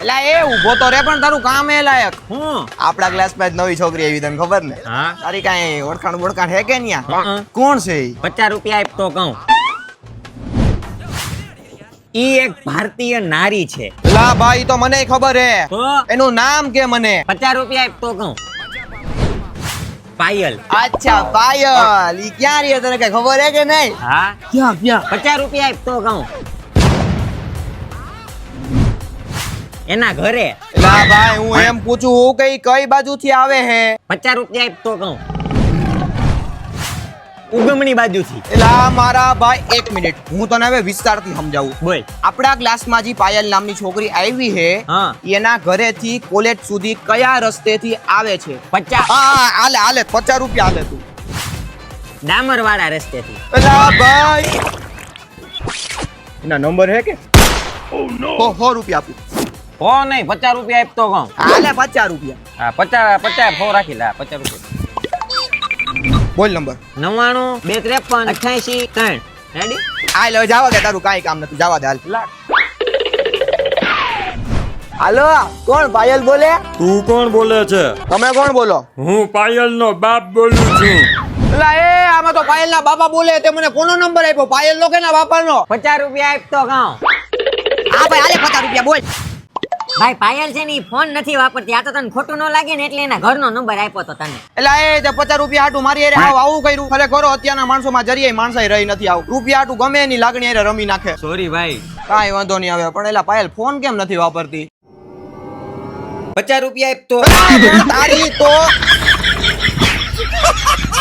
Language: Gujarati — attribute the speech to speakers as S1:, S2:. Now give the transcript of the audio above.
S1: એલા એ ઊભો તો રે પણ તારું કામ એ લાયક
S2: હું
S1: આપડા ક્લાસમાં જ નવી છોકરી આવી તને ખબર ને
S2: હા
S1: તારી કાંઈ ઓળખાણ બોળખાણ હે કે ન્યા
S2: હં.
S1: કોણ છે ઈ?
S2: 50 રૂપિયા આપ તો કહું. ઈ એક ભારતીય નારી છે.
S1: લા ભાઈ તો મને ખબર હે
S2: તો
S1: એનું નામ કે મને
S2: 50 રૂપિયા આપ તો કહું. પાયલ.
S1: અચ્છા પાયલ ઈ ક્યાં રહી તને કઈ ખબર હે કે નહીં
S2: હા
S1: ક્યાં
S2: 50 રૂપિયા આપ તો કહું. એના ઘરે
S1: લા ભાઈ હું એમ પૂછું હું કઈ બાજુથી આવે હે
S2: 50 રૂપિયા આપ તો કહું. ઉગમણી બાજુથી.
S1: લા મારા ભાઈ એક મિનિટ હું તને હવે વિસ્તારથી સમજાવું
S2: બોલ.
S1: આપણા ક્લાસમાં જે પાયલ નામની છોકરી આવી હે
S2: હા
S1: એના ઘરેથી કોલેજ સુધી કયા રસ્તેથી આવે છે
S2: 50
S1: હા હાલે હાલે 50 રૂપિયા હાલે તું
S2: ડામર વાળા રસ્તેથી.
S1: લા ભાઈ એના નંબર હે કે સો રૂપિયા આપું
S2: હો નહીં 50 રૂપિયા આપ તો કહું.
S1: હાલે 50 રૂપિયા
S2: હા 50 હો રાખી લે 50 રૂપિયા.
S1: બોલ નંબર
S2: 99 253 88 3 રેડી.
S1: આ લે જાવા દે તારું કાઈ કામ નથી જાવા દે હાલ હાલો કોણ પાયલ બોલે
S3: તું કોણ બોલે છે?
S1: તમે કોણ બોલો
S3: હું પાયલનો બાપ બોલું છું.
S1: એલા એ આમાં તો પાયલના બાપા બોલે તે મને કોનો નંબર આપ્યો પાયલ નો કે ના બાપાનો
S2: 50 રૂપિયા આપ તો કહું.
S1: હા ભાઈ હાલે 50 રૂપિયા બોલ
S2: ભાઈ પાયલ છે ને ઈ ફોન નથી વાપરતી. આ તો તને ખોટું ન લાગે ને એટલે એના ઘરનો નંબર આપ્યો તો તને.
S1: એલા એ તે 50 રૂપિયા હાટું મારી હારે આવું કર્યું ખરેખર અત્યારના માણસોમાં જરીએ માણસાઈ રહી નથી આવું રૂપિયા હાટું ગમે એની લાગણી હારે રમી નાખે
S2: સોરી ભાઈ.
S1: કાંઈ વાંધો નહીં આવે પણ એલા પાયલ ફોન કેમ નથી વાપરતી
S2: 50 રૂપિયા આપ તો.
S1: તારી તો